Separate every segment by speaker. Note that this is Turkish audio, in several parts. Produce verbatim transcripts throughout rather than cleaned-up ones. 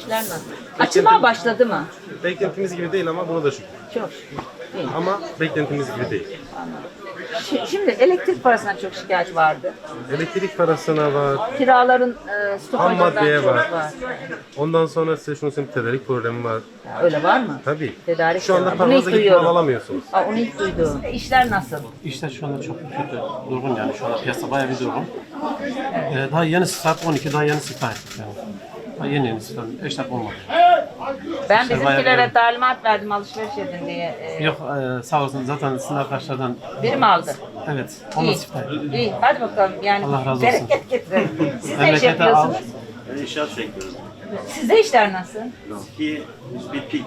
Speaker 1: İşler nasıl? Açılmaya başladı mı?
Speaker 2: Beklentimiz gibi değil ama buna da şükür.
Speaker 1: Çok. Değil.
Speaker 2: Ama beklentimiz gibi değil.
Speaker 1: Şi- Şimdi elektrik parasına çok şikayet vardı.
Speaker 2: Elektrik parasına var,
Speaker 1: Kiraların e,
Speaker 2: ham
Speaker 1: stopajından
Speaker 2: maddeye
Speaker 1: çok
Speaker 2: var.
Speaker 1: var.
Speaker 2: Ondan sonra size şunu söyleyeyim, tedarik problemi var.
Speaker 1: Ya, öyle var mı?
Speaker 2: Tabii.
Speaker 1: Tedarik
Speaker 2: Şu anda
Speaker 1: de var. Bunu ilk
Speaker 2: paranızı gidip
Speaker 1: duyuyorum.
Speaker 2: mal alamıyorsunuz.
Speaker 1: Aa, onu ilk duydum. E, İşler nasıl?
Speaker 3: İşler şu anda çok kötü, durgun yani şu anda piyasa bayağı bir durgun. Ee, daha yeni saat on iki, daha yeni siftah ettik yani. Daha yeni yeni siftah, eşlak olmadı.
Speaker 1: Ben
Speaker 3: İşler
Speaker 1: bizimkilere
Speaker 3: bayağı-
Speaker 1: talimat verdim alışveriş edin diye. E,
Speaker 3: Yok e, sağ olsun zaten sizin arkadaşlardan,
Speaker 1: biri mi aldı?
Speaker 3: evet, onunla
Speaker 1: İyi.
Speaker 3: siftah ettik.
Speaker 1: İyi. Hadi bakalım. Yani
Speaker 3: Allah razı olsun.
Speaker 1: bereket getirelim. Siz ne iş
Speaker 3: Memlekete
Speaker 1: yapıyorsunuz?
Speaker 4: Ben inşaat sektörü.
Speaker 1: Sizde işler nasıl?
Speaker 4: Ki bittik.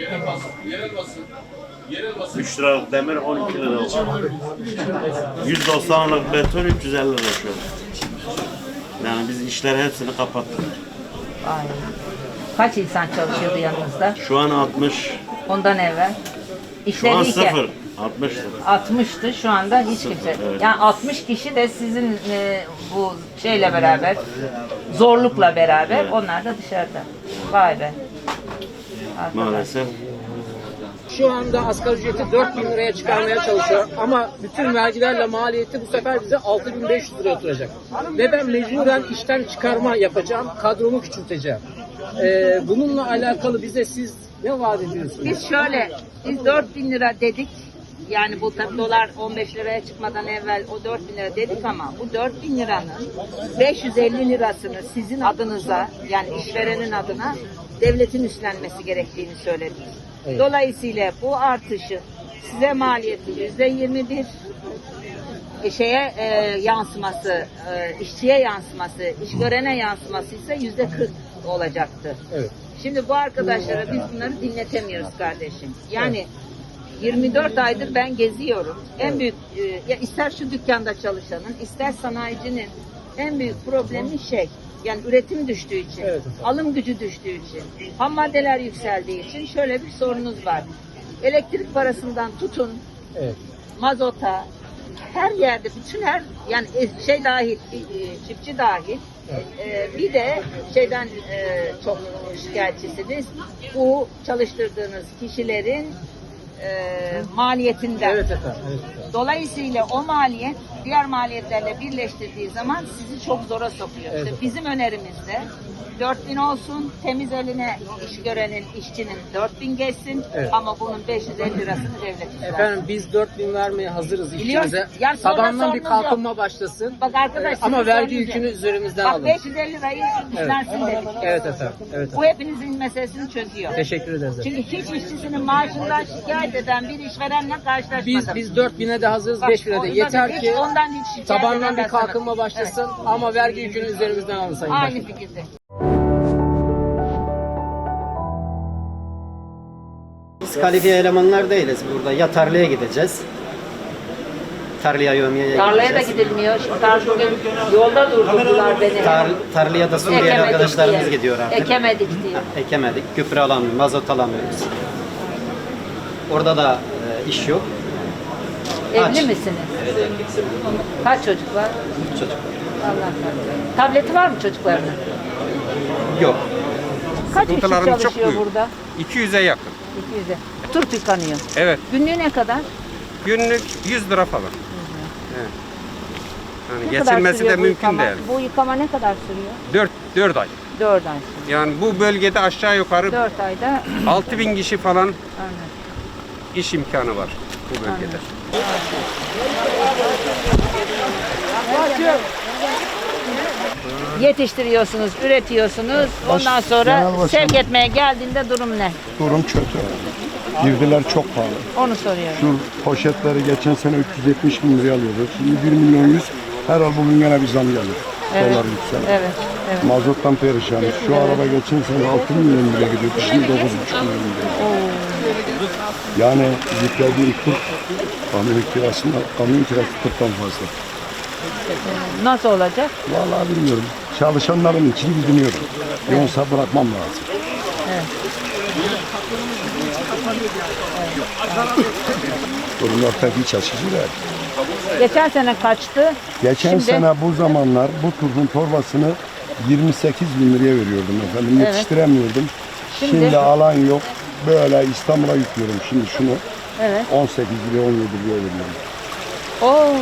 Speaker 4: üç liralık demir on iki lira oldu. yüz doksanlık beton üç yüz elli lira şu an. Yani biz işleri hepsini kapattık.
Speaker 1: Ay. Kaç insan çalışıyordu yanınızda
Speaker 4: Şu an altmış.
Speaker 1: ondan evvel?
Speaker 4: Şu
Speaker 1: İşleri
Speaker 4: an
Speaker 1: iyiken
Speaker 4: sıfır. altmış sıfır.
Speaker 1: altmıştı, şu anda hiç kimse.
Speaker 4: evet.
Speaker 1: Yani altmış kişi de sizin e, bu şeyle beraber, zorlukla beraber, onlar da dışarıda. Vay be. Arkadaş.
Speaker 4: Maalesef.
Speaker 5: Şu anda asgari ücreti dört bin liraya çıkarmaya çalışıyor ama bütün vergilerle maliyeti bu sefer bize altı bin beş yüz liraya oturacak. Ve ben mecburen işten çıkarma yapacağım, kadromu küçülteceğim. Ee, bununla alakalı bize siz ne vaat ediyorsunuz?
Speaker 1: Biz şöyle, biz dört bin lira dedik. Yani bu tabii dolar on beş liraya çıkmadan evvel o dört bin lira dedik ama bu dört bin liranın beş yüz elli lirasını sizin adınıza, yani işverenin adına devletin üstlenmesi gerektiğini söyledik.
Speaker 5: Evet.
Speaker 1: Dolayısıyla bu artışın size maliyeti yüzde yirmi bir, e, şeye e, yansıması, e, işçiye yansıması, işverene yansıması ise yüzde kırk olacaktı.
Speaker 5: Evet.
Speaker 1: Şimdi bu arkadaşlara biz bunları dinletemiyoruz kardeşim. Yani yirmi dört aydır ben geziyorum. En büyük, e, ya ister şu dükkanda çalışanın, ister sanayicinin en büyük problemi şey, yani üretim düştüğü için,
Speaker 5: Evet.
Speaker 1: alım gücü düştüğü için, ham maddeler yükseldiği için şöyle bir sorunuz var. Elektrik parasından tutun,
Speaker 5: Evet.
Speaker 1: mazota, her yerde, bütün her, yani şey dahil, e, çiftçi dahil, e, bir de şeyden e, çok şikayetçisiniz, bu çalıştırdığınız kişilerin e, maliyetinden.
Speaker 5: Evet efendim. Evet efendim.
Speaker 1: Dolayısıyla o maliyet diğer maliyetlerle birleştirdiği zaman sizi çok zora sokuyor.
Speaker 5: Evet.
Speaker 1: İşte bizim önerimizde dört bin olsun, temiz eline iş görenin, işçinin dört bin geçsin,
Speaker 5: Evet.
Speaker 1: ama bunun beş yüz elli lirasını devlet üstlensin.
Speaker 5: Efendim biz dört bin vermeye hazırız
Speaker 1: Biliyoruz.
Speaker 5: işçimize.
Speaker 1: Yani sonra
Speaker 5: Tabandan bir
Speaker 1: sorunuz
Speaker 5: kalkınma başlasın.
Speaker 1: Bak arkadaş,
Speaker 5: Ee, ama
Speaker 1: sizin
Speaker 5: vergi
Speaker 1: sorunuz
Speaker 5: yükünü
Speaker 1: yok.
Speaker 5: üzerimizden
Speaker 1: Bak
Speaker 5: alın.
Speaker 1: beş yüz elli lirayı üstlensin dedik.
Speaker 5: Evet efendim. Evet
Speaker 1: Bu
Speaker 5: efendim.
Speaker 1: hepinizin meselesini çözüyor.
Speaker 5: Teşekkür ederiz efendim.
Speaker 1: Çünkü hiç işçisinin maaşından şikayet eden bir işverenle karşılaşmadım.
Speaker 5: Biz biz dört bine de hazırız,
Speaker 1: Bak,
Speaker 5: beş bine de.
Speaker 1: ondan
Speaker 5: Yeter
Speaker 1: hiç-
Speaker 5: ki
Speaker 1: ondan hiç şikayet
Speaker 5: tabandan bir
Speaker 1: edemez sana.
Speaker 5: kalkınma başlasın ama vergi yükünü üzerimizden alın Sayın
Speaker 1: Aynı
Speaker 5: Başkanım.
Speaker 1: fikirde.
Speaker 6: Biz kalifiye elemanlar değiliz burada. Ya tarlaya gideceğiz. Tarlaya yövmeye
Speaker 1: Tarlaya da
Speaker 6: gideceğiz.
Speaker 1: gidilmiyor. Şimdi tar bugün yolda durdurdular beni.
Speaker 6: Tar, tarlaya da Suriyeli
Speaker 1: Ekemedik
Speaker 6: arkadaşlarımız
Speaker 1: diye.
Speaker 6: gidiyor artık.
Speaker 1: Ekemedik diye.
Speaker 6: Ekemedik. Gübre alamıyoruz, mazot alamıyoruz. Orada da e, iş yok.
Speaker 1: Evli
Speaker 6: Aç.
Speaker 1: misiniz? Kaç çocuk var?
Speaker 6: Çocuk
Speaker 1: Allah kahretsin. Tableti var mı çocuklarının?
Speaker 6: yok.
Speaker 1: Kaç kişi
Speaker 7: Sıkıntılarımız çok
Speaker 1: çalışıyor
Speaker 7: büyük.
Speaker 1: burada?
Speaker 7: iki yüze yakın.
Speaker 1: iki yüze. Turp yıkanıyor.
Speaker 7: Evet.
Speaker 1: Günlüğü ne kadar?
Speaker 7: Günlük yüz lira falan. Evet. Yani
Speaker 1: Ne kadar
Speaker 7: geçinmesi
Speaker 1: sürüyor
Speaker 7: de
Speaker 1: bu
Speaker 7: mümkün
Speaker 1: yıkama?
Speaker 7: değil.
Speaker 1: Bu yıkama ne kadar sürüyor?
Speaker 7: dört dört ay.
Speaker 1: dört ay sürüyor.
Speaker 7: Yani bu bölgede aşağı yukarı
Speaker 1: dört ayda
Speaker 7: altı bin kişi falan
Speaker 1: anladım.
Speaker 7: iş imkanı var bu bölgede.
Speaker 1: Yetiştiriyorsunuz, üretiyorsunuz. Ondan sonra sevk etmeye geldiğinde durum ne?
Speaker 8: Durum kötü. Girdiler çok pahalı.
Speaker 1: Onu soruyorum.
Speaker 8: Şu poşetleri geçen sene üç yüz yetmiş bin liraya alıyorduk. Şimdi bir milyon yüz. Her ay bugün gene bir zam gelir.
Speaker 1: Evet.
Speaker 8: Dolar yükselir.
Speaker 1: Evet, evet.
Speaker 8: Mazottan perişanız. Şu araba geçen sene altı milyon liraya gidiyordu. Şimdi dokuz buçuk milyon liraya. Yani yüklediği kur kamyon kirasında, kamyon kirası kırktan fazla.
Speaker 1: Nasıl olacak?
Speaker 8: Vallahi bilmiyorum. Çalışanların için düşünüyorum. Yoksa bırakmam lazım. Durumlar pek iç açıcı değil.
Speaker 1: Geçen sene kaçtı?
Speaker 8: Geçen
Speaker 1: Şimdi-
Speaker 8: sene bu zamanlar bu turşun torbasını yirmi sekiz bin liraya veriyordum efendim.
Speaker 1: Evet.
Speaker 8: Yetiştiremiyordum.
Speaker 1: Şimdi-
Speaker 8: Şimdi, alan yok. Böyle İstanbul'a yüklüyorum şimdi şunu.
Speaker 1: Evet.
Speaker 8: on sekiz liraya on yedi liraya veriyorum.
Speaker 1: Oo.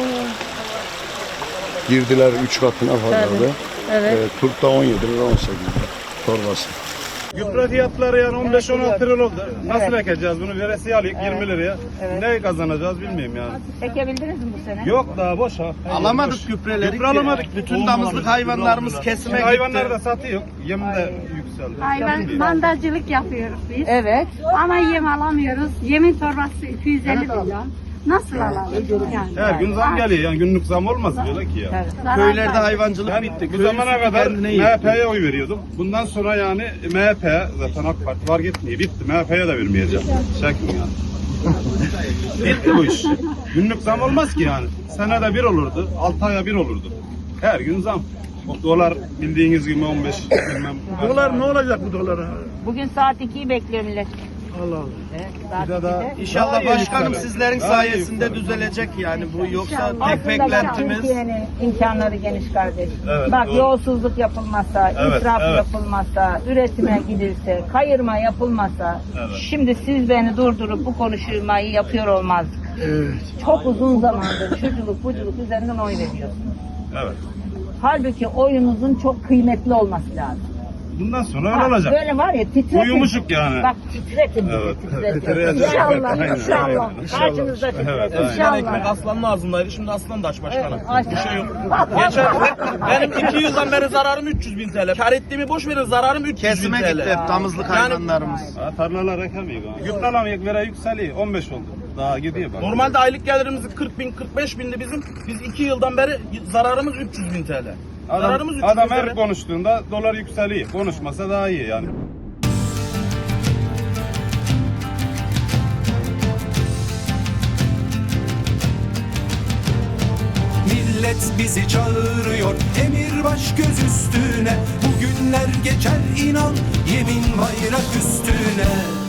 Speaker 8: Girdiler üç katına fazladı.
Speaker 1: Evet.
Speaker 8: E, turpta on yedi lira on sekiz lira torbası.
Speaker 9: Gübre fiyatları yani on beş on altı lira oldu. Nasıl ekeceğiz bunu? Veresiye alayım yirmi liraya. Ne kazanacağız bilmiyorum yani.
Speaker 1: Ekebildiniz mi bu sene?
Speaker 9: Yok daha boş ha.
Speaker 10: Alamadık gübreleri.
Speaker 9: Gübre alamadık.
Speaker 10: Bütün damızlık hayvanlarımız kesime gitti.
Speaker 9: Hayvanlar da satıyor. Yem de yükseldi.
Speaker 11: Hayvan mandacılık yapıyoruz biz.
Speaker 1: Evet.
Speaker 11: Ama yem alamıyoruz. Yemin torbası iki yüz elli milyon. Nasıl alalım? Yani.
Speaker 9: Her gün zam geliyor yani günlük zam olmaz diyorlar ki ya.
Speaker 1: Evet.
Speaker 10: Köylerde hayvancılık
Speaker 9: Ben
Speaker 10: bitti.
Speaker 9: bu
Speaker 10: Köy
Speaker 9: zamana
Speaker 10: üstü
Speaker 9: kadar
Speaker 10: kendine
Speaker 9: M
Speaker 10: yetti.
Speaker 9: H P'ye oy veriyordum. Bundan sonra yani M H P zaten AK Parti var gitmiyor. Bitti. M H P'ye de vermeyeceğim. Çekin yani. Bitti bu iş. Günlük zam olmaz ki yani. Senede bir olurdu. altı aya bir olurdu. Her gün zam. O dolar bildiğiniz gibi on beş bilmem.
Speaker 10: Dolar ne olacak bu dolara?
Speaker 1: Bugün saat ikiyi bekliyor millet.
Speaker 10: Allah Allah.
Speaker 1: Evet, saat
Speaker 9: Bir de daha-
Speaker 1: ikide.
Speaker 10: İnşallah
Speaker 9: Daha iyi
Speaker 10: başkanım
Speaker 9: yükselir.
Speaker 10: sizlerin
Speaker 9: Daha iyi
Speaker 10: sayesinde
Speaker 9: yükselir.
Speaker 10: düzelecek yani bu yoksa tek
Speaker 1: Aslında bak,
Speaker 10: beklentimiz
Speaker 1: Türkiye'nin imkanları geniş kardeş.
Speaker 9: Evet,
Speaker 1: bak
Speaker 9: doğru.
Speaker 1: yolsuzluk yapılmazsa,
Speaker 9: Evet,
Speaker 1: israf
Speaker 9: evet.
Speaker 1: yapılmazsa, üretime gidilse, kayırma yapılmazsa,
Speaker 9: Evet.
Speaker 1: şimdi siz beni durdurup bu konuşmayı yapıyor olmazdık. Çok uzun zamandır şuculuk buculuk üzerinden oy veriyorsunuz.
Speaker 9: Evet.
Speaker 1: Halbuki oyunuzun çok kıymetli olması lazım.
Speaker 9: Bundan sonra
Speaker 1: Ha,
Speaker 9: öyle olacak.
Speaker 1: Böyle var ya titretin.
Speaker 9: Uyumuşuk yani.
Speaker 1: Bak titretin bizi,
Speaker 9: Evet.
Speaker 1: titretin.
Speaker 9: Titreyeceğiz.
Speaker 1: İnşallah,
Speaker 9: Aynen,
Speaker 1: inşallah.
Speaker 9: aynen.
Speaker 1: Karşınızda titretin.
Speaker 9: Evet, aynen.
Speaker 1: İnşallah.
Speaker 10: aslanın ağzındaydı şimdi aslan da aç başkanım.
Speaker 1: Aç.
Speaker 10: Bir şey yok.
Speaker 1: Bak, bak,
Speaker 10: Geçen
Speaker 1: bak.
Speaker 10: benim iki yüzden beri zararım üç yüz bin T L. Kar ettiğimi boş verin zararım üç yüz bin T L. Kesime gitti hep damızlık hayvanlarımız.
Speaker 9: Ha, tarlalar ekemiyor. Gübre alamıyor, vere yükseliyor. on beş oldu. Daha gidiyor bak.
Speaker 10: Normalde aylık gelirimiz kırk bin kırk beş bindi bizim. Biz iki yıldan beri zararımız üç yüz bin T L.
Speaker 9: Adam,
Speaker 10: Zararımız üç yüz bin
Speaker 9: adam
Speaker 10: T L.
Speaker 9: her konuştuğunda dolar yükseliyor. Konuşmasa daha iyi yani.
Speaker 12: Millet bizi çağırıyor, emir baş göz üstüne. Bugünler geçer inan, yemin bayrak üstüne.